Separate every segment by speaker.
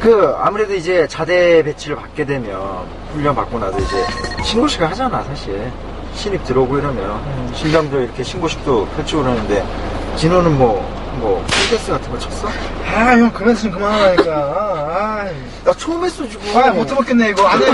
Speaker 1: 아무래도 이제 자대 배치를 받게 되면, 훈련 받고 나서 이제 신고식을 하잖아, 사실. 신입 들어오고 이러면. 신병도 이렇게 신고식도 펼치고 그러는데, 진호는 콘테스트 같은 거 쳤어?
Speaker 2: 아, 형, 그만 좀 그만하라니까.
Speaker 1: 나 처음 했어, 지금.
Speaker 2: 못 해먹겠네, 이거. 안 해.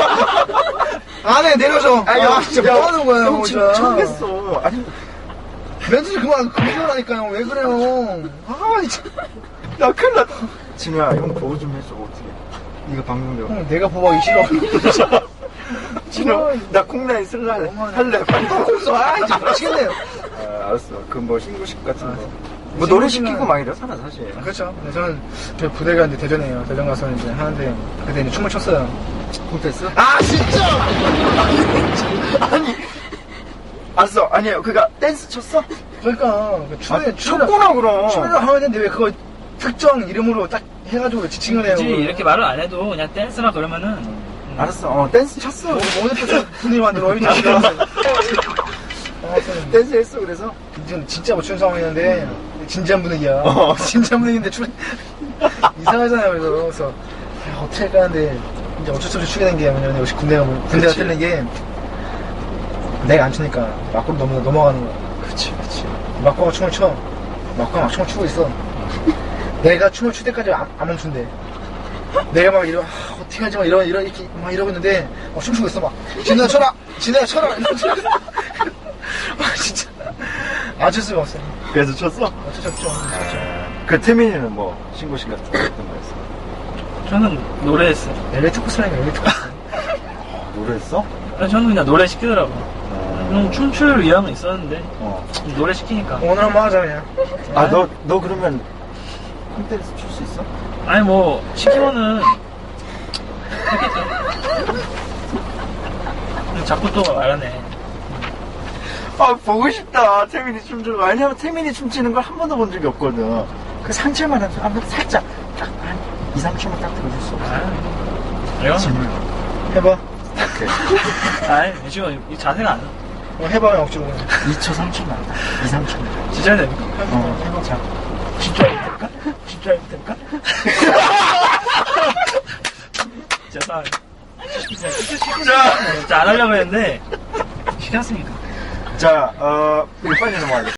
Speaker 2: 안 해, 내려줘. 진짜 뭐 하는 거야, 형,
Speaker 1: 지금 처음 했어. 아니,
Speaker 2: 멘트 좀 그만하라니까요. 왜 그래요? 진짜.
Speaker 1: 나 큰일 났다. 진호야, 형 보호 좀 해줘, 어떻게. 이거 방송용.
Speaker 2: 형, 내가 보호하기 싫어.
Speaker 1: 진호, 나 콩라인 쓸래. 할래. 빨리 콩
Speaker 2: 진짜 미치겠네요.
Speaker 1: 알았어. 신고식 같은 거. 노래 시키고 막 이러잖아, 사실.
Speaker 2: 그렇죠. 근데 저는 저 부대가 이제 대전이에요. 대전 가서 이제 하는데 그때 이제 춤을 췄어요.
Speaker 1: 콘테스트?
Speaker 2: 진짜!
Speaker 1: 아니. 알았어. 아니에요. 댄스 쳤어?
Speaker 2: 그러니까 춤에
Speaker 1: 췄구나, 그럼.
Speaker 2: 춤을 하면 되는데 왜 그거 특정 이름으로 딱 해가지고 지칭을 해요.
Speaker 3: 굳이 이렇게 말을 안 해도 그냥 댄스라 그러면은
Speaker 1: 알았어. 댄스 쳤어.
Speaker 2: 오늘 또 분위기 만들어. 이 자식아.
Speaker 1: 댄스 했어, 그래서?
Speaker 2: 진짜 못 추는 상황이었는데 진지한 분위기야. 진지한 분위기인데 이상하잖아요. 그래서 어떻게 할까 하는데 이제 어쩔 수 없이 추게 된 게 뭐냐면 역시 군대가 틀린 게 내가 안 추니까 막고로 넘어가는 거야.
Speaker 1: 그치.
Speaker 2: 막고가 춤을 춰. 막고가 막 춤을 추고 있어. 내가 춤을 출 때까지 안 멈춘대. 내가 막 어떻게 하지 이렇게 막 이러고 있는데 춤추고 있어. 막 진우야 쳐라. 진짜 어쩔 수가 없어.
Speaker 1: 그래서 쳤어?
Speaker 2: 어쩔 수 없죠.
Speaker 1: 태민이는 신고식 같은 거 어떤 거였어?
Speaker 3: 저는 노래했어요.
Speaker 2: 엘리트 코스라니까 엘리트 코스.
Speaker 1: 노래했어?
Speaker 3: 저는 그냥 노래 시키더라고. 춤출 의향은 있었는데 노래 시키니까.
Speaker 2: 오늘 한번 하자 그냥.
Speaker 1: 너 그러면 콘테스트 출 수 있어?
Speaker 3: 아니 시키면은 했겠죠. 자꾸 또 말하네.
Speaker 1: 보고 싶다. 태민이 춤추는 거. 왜냐면 태민이 춤추는 걸 한 번도 본 적이 없거든. 그 상체만 한번 살짝 딱 한 2, 3초만 딱 들어줄 수 없어.
Speaker 3: 이건
Speaker 2: 해봐.
Speaker 1: 오케이.
Speaker 3: 지금 이 자세가 안 나.
Speaker 2: 해봐 형 억지로.
Speaker 1: 2초, 3초만. 2, 3초만.
Speaker 3: 진짜 해야 됩니까?
Speaker 1: 해봐. 자. 진짜 해볼까? 진짜 해볼까?
Speaker 3: 죄송합니다. 진짜 안 하려고 했는데 시켰으니까.
Speaker 1: 자, 이거 빨리 넘어가자.